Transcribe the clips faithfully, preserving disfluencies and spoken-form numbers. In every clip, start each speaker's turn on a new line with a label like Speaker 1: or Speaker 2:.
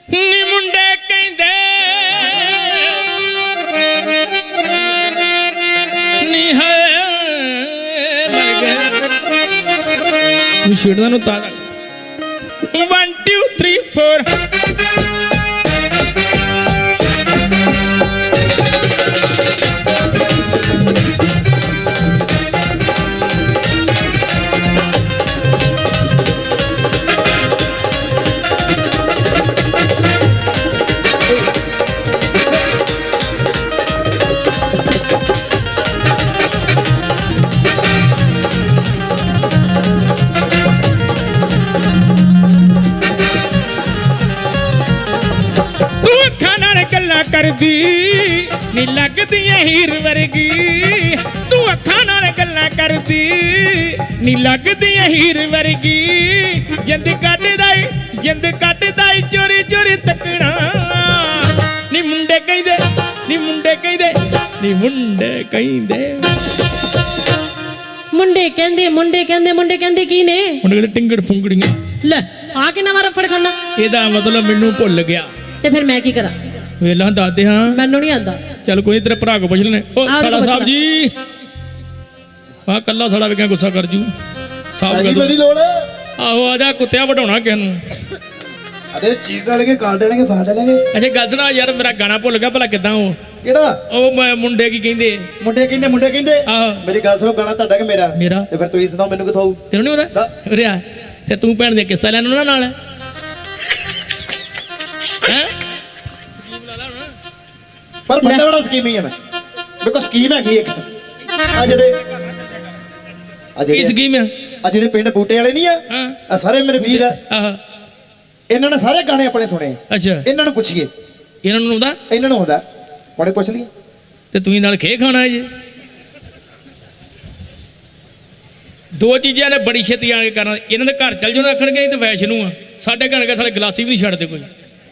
Speaker 1: ਨੀ ਮੁੰਡੇ ਕਹਿੰਦੇ ਨੀ ਹੈ ਮਰ ਗਏ ਤੂੰ ਛੇੜਦਾ ਨੂੰ ਤਾਂ one two three four करदी नी लगदी हीर वर्गी तू अखां नाल गल्लां करदी नी लगदी हीर वर्गी जिंद कटदा जिंद कटदा चोरी चोरी तकना नी मुंडे कहंदे नी मुंडे कहंदे नी मुंडे कहंदे
Speaker 2: मुंडे कहंदे मुंडे कहंदे मुंडे कहंदे की ने
Speaker 1: मुंडे कहंदे टिंगड़ फुंगड़ियां
Speaker 2: ले आ के ना मारा फड़खाना
Speaker 1: एदा मतलब मैनू भुल गया
Speaker 2: ते फिर मैं की करा
Speaker 1: वेला दादे हाँ
Speaker 2: मैनू नहीं आंदा
Speaker 1: चल कोई तेरे भरा को पुछ लेने ओ साड़ा साहब जी वाह कल्ला साड़ा वे गुस्सा कर जू साहब कह दो
Speaker 3: मेरी लोड़
Speaker 1: आहो आजा कुत्तिया वढाउणा किस नूं
Speaker 3: अरे चीर डालेंगे काट डालेंगे फाड़ डालेंगे
Speaker 1: अच्छा गल सुना यार मेरा गाना भुल गया भला किदां ओ
Speaker 3: ਕਿਹੜਾ
Speaker 1: ਉਹ ਮੁੰਡੇ ਕੀ ਕਹਿੰਦੇ
Speaker 3: ਮੁੰਡੇ ਕਹਿੰਦੇ ਮੁੰਡੇ ਕਹਿੰਦੇ
Speaker 1: ਆਹੋ
Speaker 3: ਮੇਰੀ ਗੱਲ ਸੁਣੋ ਗਾਣਾ ਤੁਹਾਡਾ ਕਿ ਮੇਰਾ
Speaker 1: ਮੇਰਾ
Speaker 3: ਤੇ ਫਿਰ ਤੁਸੀਂ ਸੁਣਾਓ ਮੈਨੂੰ ਕਿਥੋਂ ਆਊ
Speaker 1: ਤੈਨੂੰ ਨਹੀਂ ਪਤਾ ਉਰੇ ਆ ਤੇ ਤੂੰ ਭੈਣ ਦੇ ਕਿਸ਼ਤਾਂ ਲੈਣ ਉਹਨਾਂ ਨਾਲ ਹੈ
Speaker 3: ਪਰ ਬੰਦਾ ਬੜਾ ਸਕੀਮੀ ਹੈ ਮੈਂ ਮੇਰੇ ਕੋਲ ਸਕੀਮ ਹੈਗੀ ਇੱਕ ਆ ਜਿਹੜੇ ਆ
Speaker 1: ਕੀ
Speaker 3: ਜਿਹੜੇ
Speaker 1: ਸਕੀਮ ਆ
Speaker 3: ਆ ਜਿਹੜੇ ਪਿੰਡ ਬੂਟੇ ਵਾਲੇ ਨਹੀਂ ਆ
Speaker 1: ਹਾਂ
Speaker 3: ਆ ਸਾਰੇ ਮੇਰੇ ਵੀਰ ਆ
Speaker 1: ਆਹ
Speaker 3: ਇਹਨਾਂ ਨੇ ਸਾਰੇ ਗਾਣੇ ਆਪਣੇ ਸੁਣੇ
Speaker 1: ਅੱਛਾ
Speaker 3: ਇਹਨਾਂ ਨੂੰ ਪੁੱਛੀਏ
Speaker 1: ਇਹਨਾਂ ਨੂੰ ਆਉਂਦਾ
Speaker 3: ਇਹਨਾਂ ਨੂੰ ਹੁੰਦਾ ਹੁਣੇ ਪੁੱਛ ਲਈਏ
Speaker 1: ਤੇ ਤੁਸੀਂ ਨਾਲ ਖੇ ਖਾਣਾ ਹੈ ਜੀ ਦੋ ਚੀਜ਼ਾਂ ਨੇ ਬੜੀ ਛੇਤੀ ਆ ਕੇ ਕਰਨਾ ਇਹਨਾਂ ਦੇ ਘਰ ਚੱਲ ਜਾਣਾ ਆਖਣਗੇ ਤੇ ਵੈਸ਼ ਨੂੰ ਆ ਸਾਡੇ ਘਰ ਕੇ ਸਾਡੇ ਗਲਾਸੀ ਵੀ ਨਹੀਂ ਛੱਡਦੇ ਕੋਈ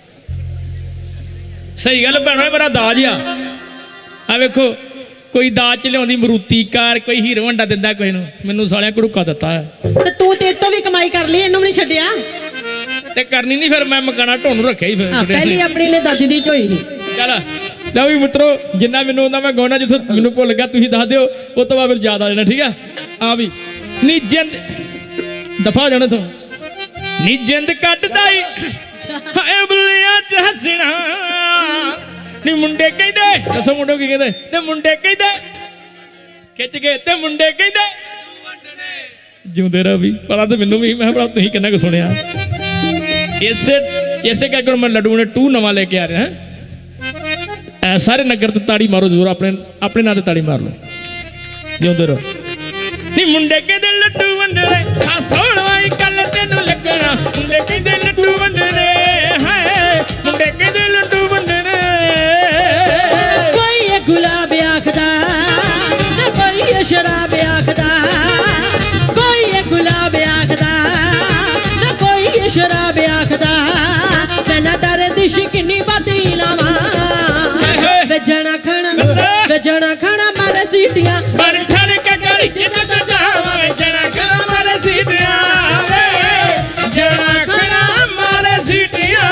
Speaker 1: ਸਹੀ ਗੱਲ ਭੈਣੋ ਮੇਰਾ ਦਾਜ ਆ ਆ ਵੇਖੋ ਕੋਈ ਦਾਜ ਚ ਲਿਆਉਂਦੀ ਮਰੂਤੀ ਕਾਰ ਕੋਈ ਹੀਰੋ ਹੰਡਾ ਦਿੰਦਾ ਕੋਈ ਨੂੰ ਮੈਨੂੰ ਸਾਲਿਆਂ ਘੜੂਕਾ ਦਿੱਤਾ ਹੈ
Speaker 2: ਤੇ ਤੂੰ ਤੇ ਤੋਂ ਵੀ ਕਮਾਈ ਕਰ ਲਈ ਇਹਨੂੰ ਵੀ ਨਹੀਂ ਛੱਡਿਆ
Speaker 1: ਤੇ ਕਰਨੀ ਨਹੀਂ ਫਿਰ ਮੈਂ ਮਕਾਨਾ ਢੋਣ ਰੱਖਿਆ ਹੀ ਫਿਰ
Speaker 2: ਪਹਿਲੀ ਆਪਣੀ ਨੇ ਦਾਦੀ ਦੀ ਢੋਈ ਸੀ
Speaker 1: ਚੱਲ ਲਓ ਵੀ ਮਿੱਤਰੋ ਜਿੰਨਾ ਮੈਨੂੰ ਉਹਦਾ ਮੈਂ ਗਾਉਣਾ ਜਿੱਥੋਂ ਮੈਨੂੰ ਭੁੱਲ ਗਿਆ ਤੁਸੀਂ ਦੱਸ ਦਿਓ ਉਹ ਤੋਂ ਬਾਅਦ ਫਿਰ ਯਾਦ ਆ ਜਾਣਾ ਠੀਕ ਆ ਆ ਵੀ ਨੀ ਜਿੰਦ ਦਫਾ ਜਾਣਾ ਤੋਂ ਨੀ ਜਿੰਦ ਕੱਟਦਾ ਈ ਹਾਏ ਬੁੱਲਿਆਂ ਚ ਹੱਸਣਾ ਨੀ ਮੁੰਡੇ ਕਹਿੰਦੇ ਦੱਸੋ ਮੁੰਡੇ ਕੀ ਕਹਿੰਦੇ ਤੇ ਮੁੰਡੇ ਕਹਿੰਦੇ ਖਿੱਚ ਕੇ ਤੇ ਮੁੰਡੇ ਕਹਿੰਦੇ ਜਿਉਂਦੇ ਰਹੋ ਵੀ ਪਤਾ ਤਾਂ ਮੈਨੂੰ ਵੀ ਮੈਂ ਭਰਾ ਤੁਸੀਂ ਕਿੰਨਾ ਕੁ ਸੁਣਿਆ ਇਸੇ ਇਸੇ ਕਰਕੇ ਮੈਂ ਲੱਡੂ ਨੇ ਟੂ ਨਵਾਂ ਲੈ ਕੇ ਆ ਰਿਹਾ ਐ ਸਾਰੇ ਨਗਰ ਤੇ ਤਾੜੀ ਮਾਰੋ ਜ਼ਰੂਰ ਆਪਣੇ ਆਪਣੇ ਨਾਂ ਤੇ ਤਾੜੀ ਮਾਰ ਲਓ ਜਿਉਂਦੇ ਰਹੋ ਨੀ ਮੁੰਡੇ ਕਹਿੰਦੇ ਲੱਡੂ ਵੰਡਣੇ ਆ ਸੋਹਣਵਾਈ ਕੱਲ ਤੈਨੂੰ ਲੱਗਣਾ ਮੁੰਡੇ ਕਹਿੰਦੇ ਲੱਡੂ ਵੰਡਣੇ ਹਾਏ ਮੁੰਡੇ ਕਹਿੰਦੇ ਲੱਡੂ ਵੰਡਣੇ
Speaker 2: ਕੋਈ ਇਹ ਗੁਲਾਬ ਆਖਦਾ ਤੇ ਕੋਈ ਇਹ ਸ਼ਰਾਬ ਆਖਦਾ ਕੋਈ ਇਹ ਗੁਲਾਬ ਆਖਦਾ ਤੇ ਕੋਈ ਇਹ ਸ਼ਰਾਬ ਆਖਦਾ ਮੈਂ ਨਾ ਡਰਦੀ ਸ਼ਿਕਨੀ ਬਾਤੀ ਲਾਵਾਂ ਵਜਣਾ ਖਾਣਾ ਵਜਣਾ ਖਾਣਾ ਮਾਰੇ ਸੀਟੀਆਂ
Speaker 1: ਮਰ ਠਣ ਕੇ ਗਲੀ ਚ ਨਾ ਜਾਵਾਂ ਵਜਣਾ ਖਾਣਾ ਮਾਰੇ ਸੀਟੀਆਂ ਵੇ ਜਣਾ ਖਾਣਾ ਮਾਰੇ ਸੀਟੀਆਂ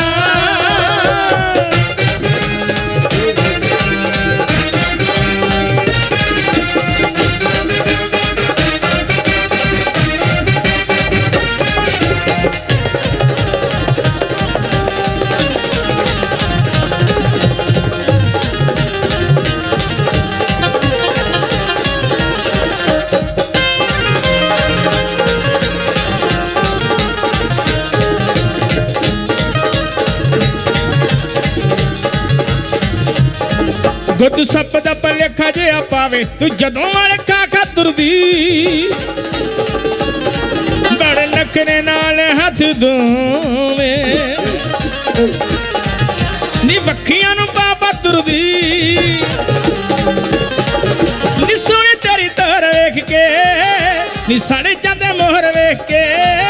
Speaker 1: ਗੁੱਦ ਸੱਪ ਦਾ ਭਲੇਖਾ ਜਿਹਾ ਪਾਵੇ ਤੂੰ ਜਦੋਂ ਅੜਖਾ ਖਾਤਰਦੀ ਬੜੇ ਨਖਰੇ ਨਾਲ ਹੱਥ ਦੋਵੇਂ ਨੀ ਵੱਖੀਆਂ ਨੂੰ ਪਾਪਾ ਤੁਰਦੀ ਨੀ ਸੋਹਣੀ ਤੇਰੀ ਤਰ ਵੇਖ ਕੇ ਨੀ ਸੜ ਜਾਂਦੇ ਮੋਹਰ ਵੇਖ ਕੇ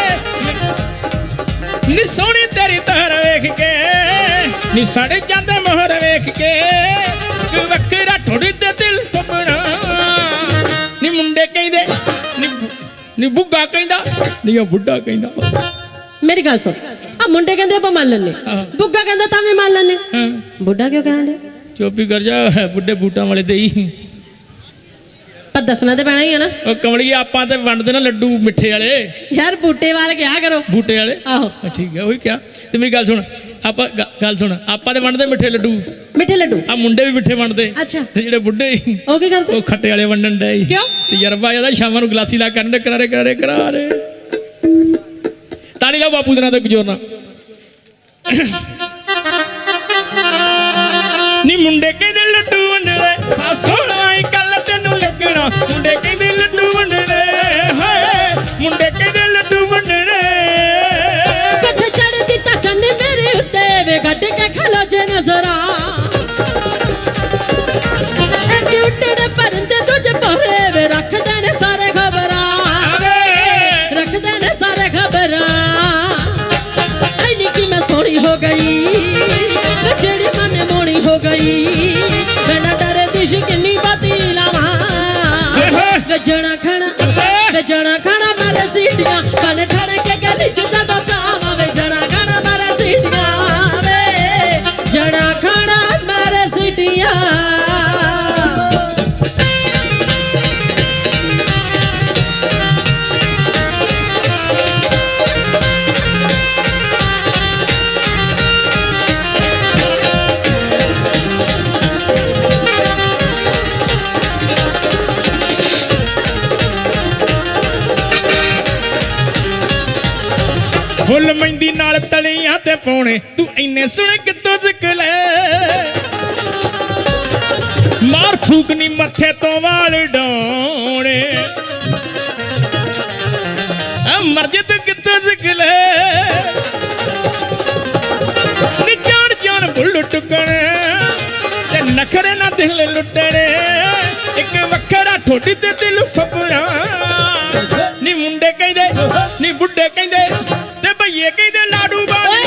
Speaker 1: ਨੀ ਸੋਹਣੀ ਤੇਰੀ ਤਰ ਵੇਖ ਕੇ ਨੀ ਸੜ ਜਾਂਦੇ ਮੋਹਰ ਵੇਖ ਕੇ ਵੱਖਰਾ ਥੋੜੀ ਤੇ ਦਿਲ ਸੁਪਨਾ ਨੀ ਮੁੰਡੇ ਕਹਿੰਦੇ ਨੀ ਨੀ ਬੁੱਗਾ ਕਹਿੰਦਾ ਨੀ ਉਹ ਬੁੱਢਾ ਕਹਿੰਦਾ
Speaker 2: ਮੇਰੀ ਗੱਲ ਸੁਣ ਆ ਮੁੰਡੇ ਕਹਿੰਦੇ ਆਪਾਂ ਮੰਨ ਲੈਨੇ
Speaker 1: ਹਾਂ।
Speaker 2: ਬੁੱਗਾ ਕਹਿੰਦਾ ਤਾਂ ਵੀ ਮੰਨ ਲੈਨੇ
Speaker 1: ਹਾਂ
Speaker 2: ਬੁੱਢਾ ਕਿਉਂ ਕਹਿੰਦੇ
Speaker 1: ਚੁੱਪ ਹੀ ਕਰ ਜਾ ਬੁੱਢੇ ਬੂਟਾਂ ਵਾਲੇ ਤੇ ਹੀ
Speaker 2: ਪਰ ਦੱਸਣਾ ਤੇ ਪੈਣਾ ਹੀ ਹੈ ਨਾ
Speaker 1: ਉਹ ਕਮਲੀਏ ਆਪਾਂ ਤੇ ਵੰਡਦੇ ਨਾ ਲੱਡੂ ਮਿੱਠੇ ਵਾਲੇ
Speaker 2: ਯਾਰ ਬੂਟੇ ਵਾਲ ਕਿਆ ਕਰੋ
Speaker 1: ਬੂਟੇ ਵਾਲੇ
Speaker 2: ਆਹੋ
Speaker 1: ਹਾਂ, ਠੀਕ ਹੈ ਉਹੀ ਕਿਹਾ ਤੇ ਮੇਰੀ ਗੱਲ ਸੁਣ ਆਪਾਂ ਗ- ਗੱਲ ਸੁਣ ਆਪਾਂ ਤੇ ਵੰਡਦੇ ਮਿੱਠੇ ਲੱਡੂ
Speaker 2: ਮਿੱਠੇ ਲੱਡੂ
Speaker 1: ਆ ਮੁੰਡੇ ਵੀ ਮਿੱਠੇ ਵੰਡਦੇ
Speaker 2: ਅੱਛਾ
Speaker 1: ਤੇ ਜਿਹੜੇ ਬੁੱਢੇ ਸੀ,
Speaker 2: ਉਹ ਕੀ ਕਰਦੇ
Speaker 1: ਉਹ ਖੱਟੇ ਵਾਲੇ ਵੰਡਣ ਡਏ ਸੀ।
Speaker 2: ਕਿਉਂ?
Speaker 1: ਤਜਰਬਾ ਜਿਆਦਾ ਸ਼ਾਮਾਂ ਨੂੰ ਗਲਾਸੀ ਲਾ ਕਰਨ ਦੇ ਕਰਾਰੇ ਕਰਾਰੇ ਕਰਾਰੇ ਤਾੜੀ ਲਾਓ ਬਾਪੂ ਦੇ ਨਾਂ ਤੇ ਗਜੋਰ ਨਾਲ ਨੀ ਮੁੰਡੇ ਕਹਿੰਦੇ ਲੱਡੂ ਵੰਡਣੇ ਸਾਸੋਣਾ ਹੀ ਕੱਲ ਤੈਨੂੰ ਲੱਗਣਾ ਮੁੰਡੇ ਕਹਿੰਦੇ ਲੱਡੂ ਵੰਡਣੇ ਹਾਏ ਮੁੰਡੇ ਕਹਿੰਦੇ ਲੱਡੂ ਵੰਡਣੇ
Speaker 2: ਕੱਠ ਚੜ ਦਿੱਤਾ ਚੰਨ ਮੇਰੇ ਉੱਤੇ ਵੇ ਗੱਡ ਕੇ ਖਲੋ ਜੇ ਨਜ਼ਰਾਂ ਇੱਕ ਉੱਟੜ ਪਰੰਦੇ ਤੁਝ ਪਰੇ ਵੇ ਰੱਖਦੇ ਨੇ ਸਾਰੇ ਖਬਰਾਂ ਰੱਖਦੇ ਨੇ ਸਾਰੇ ਖਬਰਾਂ ਐਨੀ ਕਿ ਮੈਂ ਸੋਹਣੀ ਹੋ ਗਈ ਵੇ ਜਿਹੜੀ ਮਨ ਮੋਣੀ ਹੋ ਗਈ ਮੈਂ ਨਾ ਡਰੇ ਦਿਸ਼ ਕਿੰਨੀ ਬਾਤੀ ਲਾਵਾਂ ਵੇ ਜਣਾ ਖਣਾ ਵੇ ਜਣਾ ਖਣਾ ਮਾਰੇ ਸੀਟੀਆਂ ਕਨ ਠੜ ਕੇ ਗਲੀ ਚ ਜਦੋਂ ਜਾਵਾਂ ਵੇ ਜਣਾ ਖਣਾ ਮਾਰੇ ਸੀਟੀਆਂ ਵੇ ਜਣਾ ਖਣਾ ਮਾਰੇ ਸੀਟੀਆਂ
Speaker 1: ਫੁੱਲ ਮਹਿੰਦੀ ਨਾਲ ਤਲੀਆਂ ਤੇ ਪਾਉਣੇ ਤੂੰ ਇੰਨੇ ਸੋਹਣੇ ਕਿੱਥੋਂ ਸਿੱਖ ਲੈ ਮਾਰ ਫੂਕ ਨੀ ਮੱਥੇ ਤੋਂ ਵਾਲ ਡਾਉਣੇ ਆ ਮਰਜੇ ਤੂੰ ਕਿੱਥੋਂ ਸਿੱਖ ਲੈ ਨੀ ਜਾਣ ਜਾਣ ਬੁੱਲ ਟੁਕਣੇ ਤੇ ਨਖਰੇ ਨਾ ਦਿਲ ਲੁੱਟਣੇ ਇੱਕ ਵੱਖਰਾ ਠੋਡੀ ਤੇ ਦਿਲ ਫੱਬਣਾ ਨੀ ਮੁੰਡੇ ਕਹਿੰਦੇ ਨੀ ਬੁੱਢੇ ਕਹਿੰਦੇ ਤੇ ਭਈਏ ਕਹਿੰਦੇ ਲਾਡੂ ਬਾਣੀ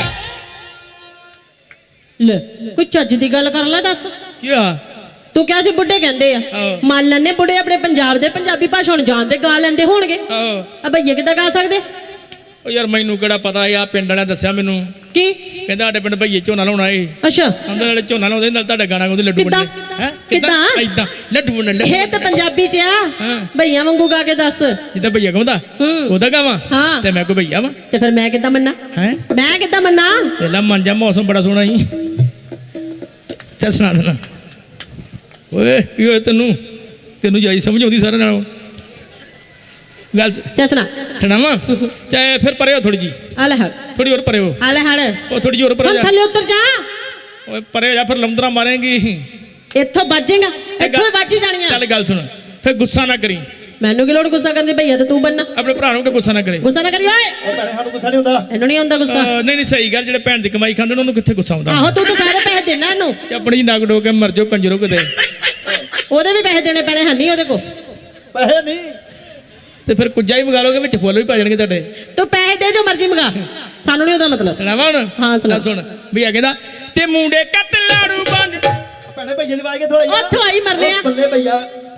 Speaker 2: ਲੈ ਕੋਈ ਚੱਜ ਦੀ ਗੱਲ ਕਰ ਲੈ ਦੱਸ
Speaker 1: ਕਿਆ
Speaker 2: ਤੂੰ ਕਿਹਾ ਸੀ ਬੁੱਢੇ ਕਹਿੰਦੇ ਆ
Speaker 1: ਆਹੋ।
Speaker 2: ਮੰਨ ਲੈਨੇ ਬੁੱਢੇ ਆਪਣੇ ਪੰਜਾਬ ਦੇ ਪੰਜਾਬੀ ਭਾਸ਼ਾ ਹੁਣ ਜਾਣਦੇ ਗਾ ਲੈਂਦੇ ਹੋਣਗੇ
Speaker 1: ਆਹੋ
Speaker 2: ਆ ਭਈਏ ਕਿੱਦਾਂ ਗਾ ਸਕਦੇ
Speaker 1: ਉਹ ਯਾਰ ਮੈਨੂੰ ਕਿਹੜਾ ਪਤਾ ਆ ਪਿੰਡ ਵਾਲਿਆਂ ਦੱਸਿਆ ਮੈਨੂੰ
Speaker 2: ਕੀ
Speaker 1: ਕਹਿੰਦਾ ਸਾਡੇ ਪਿੰਡ ਭਈਏ ਝੋਨਾ ਲਾਉਣਾ ਏ
Speaker 2: ਅੱਛਾ
Speaker 1: ਕਹਿੰਦੇ ਨਾਲੇ ਝੋਨਾ ਲਾਉਂਦੇ ਨਾਲ ਤੁਹਾਡਾ ਗਾਣਾ ਗਾਉਂਦੇ ਲੱਡੂ
Speaker 2: ਕਿੱਦਾਂ?
Speaker 1: ਵੰਡੇ ਹੈ
Speaker 2: ਕਿੱਦਾਂ?
Speaker 1: ਇਦਾਂ ਲੱਡੂ ਵੰਡੇ
Speaker 2: ਇਹ ਤਾਂ ਪੰਜਾਬੀ ਚ ਆ
Speaker 1: ਹਾਂ।
Speaker 2: ਭਈਆ ਵਾਂਗੂ ਗਾ ਕੇ ਦੱਸ
Speaker 1: ਜਿੱਦਾਂ ਭਈਆ ਗਾਉਂਦਾ
Speaker 2: ਹੂੰ।
Speaker 1: ਉਹਦਾ ਗਾਵਾਂ
Speaker 2: ਹਾਂ।
Speaker 1: ਤੇ ਮੈਂ ਕੋ ਭਈਆ ਵਾਂ
Speaker 2: ਤੇ ਫਿਰ ਮੈਂ ਕਿੱਦਾਂ ਮੰਨਾਂ
Speaker 1: ਹੈ
Speaker 2: ਮੈਂ ਕਿੱਦਾਂ ਮੰਨਾਂ
Speaker 1: ਪਹਿਲਾਂ ਮਨ ਜਾ ਮੌਸਮ ਬੜਾ ਸੋਹਣਾ ਸੀ ਚੱਲ ਸੁਣਾ ਦੇਣਾ ਓਏ ਕੀ ਹੋਇਆ ਤੈਨੂੰ ਤੈਨੂੰ ਜਾਈ ਸਮਝ ਆਉਂਦੀ ਸਾਰਿਆਂ ਨਾਲੋਂ ਗੱਲ
Speaker 2: ਚੱਲ ਸੁਣਾ
Speaker 1: ਸੁਣਾਵਾਂ ਚਾਹੇ ਫਿਰ ਪਰੇ ਹੋ ਥੋੜੀ ਜੀ
Speaker 2: ਆ ਲੈ ਹੜ
Speaker 1: ਥੋੜੀ ਹੋਰ ਪਰੇ ਹੋ
Speaker 2: ਆ ਲੈ ਹੜ
Speaker 1: ਉਹ ਥੋੜੀ ਜਿਹੀ ਹੋਰ ਪਰੇ
Speaker 2: ਹੁਣ
Speaker 1: ਜਾ
Speaker 2: ਥੱਲੇ ਉਤਰ ਜਾ
Speaker 1: ਓਏ ਪਰੇ ਹੋ ਜਾ ਫਿਰ ਲੰਦਰਾ ਮਾਰੇਂਗੀ
Speaker 2: ਇੱਥੋਂ ਵੱਜੇਗਾ ਇੱਥੋਂ ਹੀ ਵੱਜ ਜਾਣੀਆਂ
Speaker 1: ਚੱਲ ਗੱਲ ਸੁਣ ਫਿਰ ਗੁੱਸਾ ਨਾ ਕਰੀ
Speaker 2: ਮੈਨੂੰ ਕੀ ਲੋੜ ਗੁੱਸਾ ਕਰਨ ਦੀ ਭਈਆ ਤੇ ਤੂੰ ਬੰਨਾ
Speaker 1: ਆਪਣੇ ਭਰਾ ਨੂੰ ਕਿ ਗੁੱਸਾ ਨਾ ਕਰੇ
Speaker 2: ਗੁੱਸਾ ਨਾ ਕਰੀ ਓਏ
Speaker 3: ਉਹ ਭੈਣੇ ਸਾਨੂੰ ਗੁੱਸਾ ਨਹੀਂ ਹੁੰਦਾ
Speaker 2: ਇਹਨੂੰ ਨਹੀਂ ਆਉਂਦਾ ਗੁੱਸਾ
Speaker 1: ਅਹ ਨਹੀਂ ਨਹੀਂ ਸਹੀ ਗੱਲ ਜਿਹੜੇ ਭੈਣ ਦੀ ਕਮਾਈ ਖਾਂਦੇ ਨੇ ਉਹਨੂੰ ਕਿੱਥੇ ਗੁੱਸਾ ਆਉਂਦਾ
Speaker 2: ਆਹੋ ਤੂੰ ਤਾਂ ਸਾਰੇ ਪੈਸੇ ਦੇਣਾ ਇਹਨੂੰ
Speaker 1: ਕਿ ਆਪਣੀ ਨਗ ਡੋ ਕੇ ਮਰ ਜਾਓ ਕੰਜਰੋ ਕਿਤੇ
Speaker 2: ਉਹਦੇ ਵੀ ਪੈਸੇ ਦੇਣੇ ਪੈਣੇ ਹੈ ਨਹੀਂ ਉਹਦੇ ਕੋਲ
Speaker 3: ਪੈਸੇ ਨਹੀਂ
Speaker 1: ਤੇ ਫਿਰ ਕੁੱਜਾ ਹੀ ਮੰਗਾ ਲੋਗੇ ਵਿੱਚ ਫੁੱਲ ਵੀ ਪਾ ਜਾਣਗੇ ਤੁਹਾਡੇ
Speaker 2: ਤੂੰ ਪੈਸੇ ਦੇ ਜੋ ਮਰਜ਼ੀ ਮੰਗਾ ਸਾਨੂੰ ਨਹੀਂ ਉਹਦਾ ਮਤਲਬ
Speaker 1: ਸੁਣਾਵਾ ਹੁਣ
Speaker 2: ਹਾਂ, ਸੁਣਾ।
Speaker 1: ਲੈ ਸੁਣ ਵੀ ਆ ਕਹਿੰਦਾ ਤੇ ਮੁੰਡੇ ਕੱਤ ਲਾੜੂ ਬੰਡ
Speaker 3: ਭੈਣੇ ਭਈਏ ਦੀ ਆਵਾਜ਼ ਕਿੱਥੋਂ ਆਈ ਆ
Speaker 2: ਉੱਥੋਂ ਆਈ ਮਰਨੇ ਆ।
Speaker 3: ਉਹ ਬੱਲੇ ਭਈਆ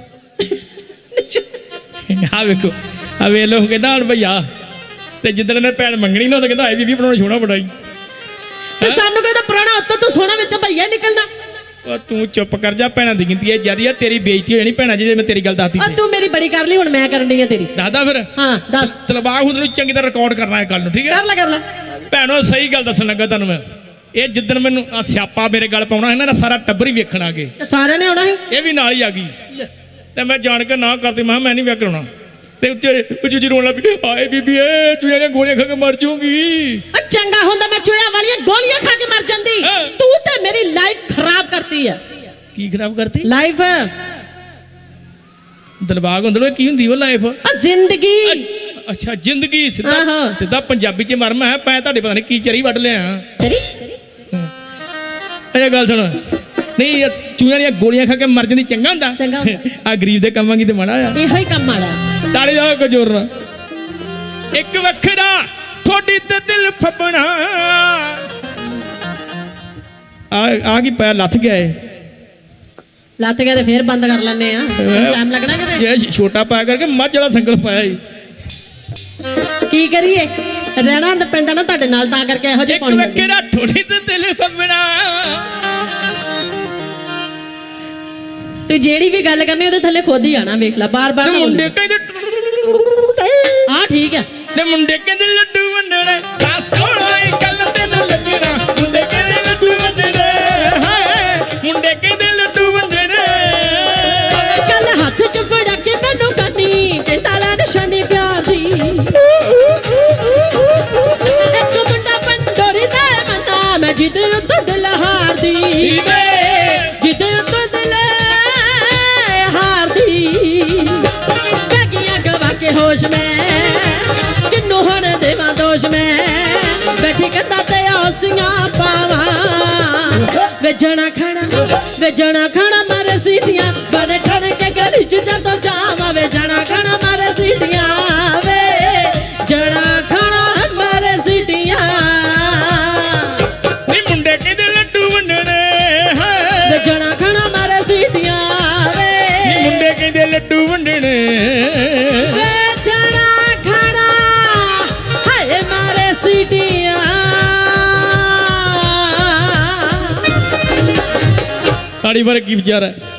Speaker 1: ਆ ਵੇਖੋ ਆ ਵੇ ਲੋ ਕਹਿੰਦਾ ਹੁਣ ਭਈਆ ਤੇ ਜਿੱਦਣ ਨੇ ਭੈਣ ਮੰਗਣੀ ਨਾ ਉਹ ਕਹਿੰਦਾ ਆਏ ਬੀਬੀ ਬਣਾਉਣਾ ਛੋਣਾ ਬੜਾਈ
Speaker 2: ਤੇ ਸਾਨੂੰ ਕਹਿੰਦਾ ਪੁਰਾਣਾ ਉੱਤੋਂ ਤੂੰ ਸੋਨਾ ਵਿੱਚ ਭਈਆ ਨਿਕਲਣਾ
Speaker 1: ਉਹ ਤੂੰ ਚੁੱਪ ਕਰ ਜਾ ਭੈਣਾਂ ਦੀ ਗਿਣਤੀ ਹੈ ਜਿਆਦੀ ਆ ਤੇਰੀ ਬੇਇੱਜ਼ਤੀ ਹੋ ਜਾਣੀ ਭੈਣਾਂ ਜੀ ਜੇ ਮੈਂ ਤੇਰੀ ਗੱਲ ਦੱਸਦੀ
Speaker 2: ਉਹ
Speaker 1: ਤੇ
Speaker 2: ਤੂੰ ਮੇਰੀ ਬੜੀ ਕਰ ਲਈ ਹੁਣ ਮੈਂ ਕਰਨ ਡਈ ਆ ਤੇਰੀ
Speaker 1: ਦੱਸਦਾ ਫਿਰ
Speaker 2: ਹਾਂ ਦੱਸ
Speaker 1: ਤਲਵਾਰ ਖੁਦ ਨੂੰ ਚੰਗੀ ਤਰ੍ਹਾਂ ਰਿਕਾਰਡ ਕਰਨਾ ਹੈ ਕੱਲ ਨੂੰ ਠੀਕ ਹੈ
Speaker 2: ਕਰ ਲੈ ਕਰ ਲੈ
Speaker 1: ਭੈਣੋ ਸਹੀ ਗੱਲ ਦੱਸਣ ਲੱਗਾ ਤੁਹਾਨੂੰ ਮੈਂ ਇਹ ਜਿੱਦਣ ਮੈਨੂੰ ਆ ਸਿਆਪਾ ਮੇਰੇ ਗੱਲ ਪਾਉਣਾ ਇਹਨਾਂ ਦਾ ਸਾਰਾ ਟੱਬਰ ਹੀ ਵੇਖਣ ਆ ਗਏ
Speaker 2: ਤੇ ਸਾਰਿਆਂ ਨੇ ਆਉਣਾ ਸੀ
Speaker 1: ਇਹ ਵੀ ਨਾਲ ਹੀ ਆ ਗਈ ਤੇ ਮੈਂ ਜਾਣ ਕੇ ਨਾ ਕਰਦੀ ਮੈਂ ਕਿਹਾ ਮੈਂ ਨਹੀਂ ਵਿਆਹ ਕਰਾਉਣਾ ਤੇ ਉੱਤੇ ਉੱਚੀ ਉੱਚੀ ਰੋਣ ਲੱਗ ਪਈ ਆਏ ਬੀਬੀ ਏ ਤੂੰ ਇਹਨੇ ਗੋਲੀਆਂ ਖਾ ਕੇ ਮਰ ਜਾਊਗੀ
Speaker 2: ਉਹ ਚੰਗਾ ਹੁੰਦਾ ਮੈਂ ਚੁੜਿਆ ਵਾਲੀਆਂ ਗੋਲੀਆਂ ਖਾ ਕੇ ਮਰ ਜਾਂਦੀ
Speaker 1: ਹਾਂ।
Speaker 2: ਤੂੰ ਤੇ ਮੇਰੀ ਲਾਈਫ ਖਰਾਬ ਕਰਤੀ ਆ
Speaker 1: ਕੀ ਖਰਾਬ ਕਰਤੀ
Speaker 2: ਲਾਈਫ ਆ
Speaker 1: ਦਿਲਬਾਗ ਹੁੰਦਲੋ ਕੀ ਹੁੰਦੀ ਉਹ ਲਾਈਫ
Speaker 2: ਜ਼ਿੰਦਗੀ
Speaker 1: ਅੱਛਾ ਜ਼ਿੰਦਗੀ ਸਿੱਧਾ
Speaker 2: ਆਹੋ।
Speaker 1: ਸਿੱਧਾ ਪੰਜਾਬੀ ਚ ਮਰਮ ਹੈ ਪੈ ਤੁਹਾਡੇ ਪਤਾ ਨਹੀਂ ਕੀ ਚਰੀ ਵੱਢ ਲਿਆ
Speaker 2: ਤੇਰੀ
Speaker 1: ਇਹ ਗੱਲ ਸੁਣ ਨਹੀਂ ਇਹ ਚੂਹਿਆਂ ਦੀਆਂ ਗੋਲੀਆਂ ਖਾ ਕੇ ਮਰ ਜਾਂਦੀ ਚੰਗਾ ਹੁੰਦਾ
Speaker 2: ਚੰਗਾ ਹੁੰਦਾ।
Speaker 1: ਆ ਗਰੀਬ ਦੇ ਕੰਮਾਂ ਕੀ ਤੇ ਮਾੜਾ ਆ
Speaker 2: ਇਹੋ ਹੀ ਕੰਮ ਆਲਾ
Speaker 1: ਤਾੜੀ ਦਾ ਕੋ ਜ਼ੋਰ ਨਾਲ ਇੱਕ ਵੱਖਰਾ ਥੋੜੀ ਤੇ ਦਿਲ ਫੱਬਣਾ ਆ ਆ ਕੀ ਪੈ ਲੱਥ ਗਿਆ ਏ
Speaker 2: ਲੱਤ ਗਿਆ ਤੇ ਫੇਰ ਬੰਦ ਕਰ ਲੈਨੇ ਆ ਟਾਈਮ ਲੱਗਣਾ ਕਿਤੇ
Speaker 1: ਜੇ ਛੋਟਾ ਪਾਇਆ ਕਰਕੇ ਮੱਝ ਵਾਲਾ ਸੰਗਲ ਪਾਇਆ ਈ
Speaker 2: ਕੀ ਕਰੀਏ ਰਹਿਣਾ ਤਾਂ ਪੈਂਦਾ ਨਾ ਤੁਹਾਡੇ ਨਾਲ, ਤਾਂ ਕਰਕੇ ਇਹੋ ਜਿਹੇ
Speaker 1: ਇੱਕ
Speaker 2: ਪਾਉਣ ਲੱਗੇ।
Speaker 1: ਵੱਖਰਾ ਠੋੜੀ ਤੇ ਦਿਲ ਫੱਬਣਾ।
Speaker 2: ਤੂੰ ਜਿਹੜੀ ਵੀ ਗੱਲ ਕਰਨੀ ਉਹਦੇ ਥੱਲੇ ਖੁਦ ਹੀ ਆਣਾ, ਵੇਖ ਲੈ ਬਾਰ ਬਾਰ
Speaker 1: ਤੇ ਮੁੰਡੇ ਕਹਿੰਦੇ
Speaker 2: ਹਾਂ ਠੀਕ ਹੈ।
Speaker 1: ਤੇ ਮੁੰਡੇ ਕਹਿੰਦੇ ਲੱਡੂ ਵੰਡਣੇ ਸਾਸੋਣਾ ਇਹ ਗੱਲ ਤੇ ਨਾ ਲੱਗਣਾ। ਮੁੰਡੇ ਕਹਿੰਦੇ ਲੱਡੂ ਵੰਡਣੇ ਹਾਏ ਮੁੰਡੇ ਕਹਿੰਦੇ ਲੱਡੂ ਵੰਡਣੇ।
Speaker 2: ਕੱਲ ਹੱਥ ਚ ਫੜਾ ਕੇ ਮੈਨੂੰ ਕੰਨੀ ਕਹਿੰਦਾ ਲੈ ਨਿਸ਼ਾਨੀ ਪਿਆਰ ਦੀ। ਇੱਕ ਮੁੰਡਾ ਪੰਡੋਰੀ ਦਾ ਮਨਾ ਮੈਂ ਜਿਹਦੇ ਉੱਤੋਂ ਦਿਲ ਹਾਰਦੀ ਵੇ, ਜਿਹਦੇ ਉੱਤੋਂ ਦਿਲ ਹਾਰਦੀ। ਬੈਗੀਆਂ ਗਵਾ ਕੇ ਹੋਸ਼ ਮੈਂ ਕਿੰਨੂੰ ਹੁਣ ਦੇਵਾਂ ਦੋਸ਼ ਮੈਂ, ਬੈਠੀ ਕੰਧਾਂ ਤੇ ਔਸੀਆਂ ਪਾਵਾਂ। ਵੇਜਣਾ ਖਾਣਾ ਵੇਜਣਾ ਖਾਣਾ ਮਾਰੇ ਸੀਟੀਆਂ ਬੜੇ ਠਣ ਕੇ ਗਲੀ ਚ ਜਦੋਂ ਜਾਵਾਂ। ਵੇਜਣਾ ਖਾਣਾ ਮਾਰੇ ਸੀਟੀਆਂ ਵੇ ਜਣਾ ਖਾਣਾ ਮਾਰੇ ਸੀਟੀਆਂ।
Speaker 1: ਨੀ ਮੁੰਡੇ ਕਹਿੰਦੇ ਲੱਡੂ ਵੰਡਣੇ ਹਾਏ
Speaker 2: ਵੇਜਣਾ ਖਾਣਾ ਮਾਰੇ ਸੀਟੀਆਂ ਵੇ,
Speaker 1: ਨੀ ਮੁੰਡੇ ਕਹਿੰਦੇ ਲੱਡੂ ਵੰਡਣੇ।
Speaker 2: ਵੇਜਣਾ ਖਾਣਾ ਹਾਏ ਮਾਰੇ ਸੀਟੀਆਂ।
Speaker 1: ਤਾੜੀ ਬਾਰੇ ਕੀ ਵਿਚਾਰ ਹੈ?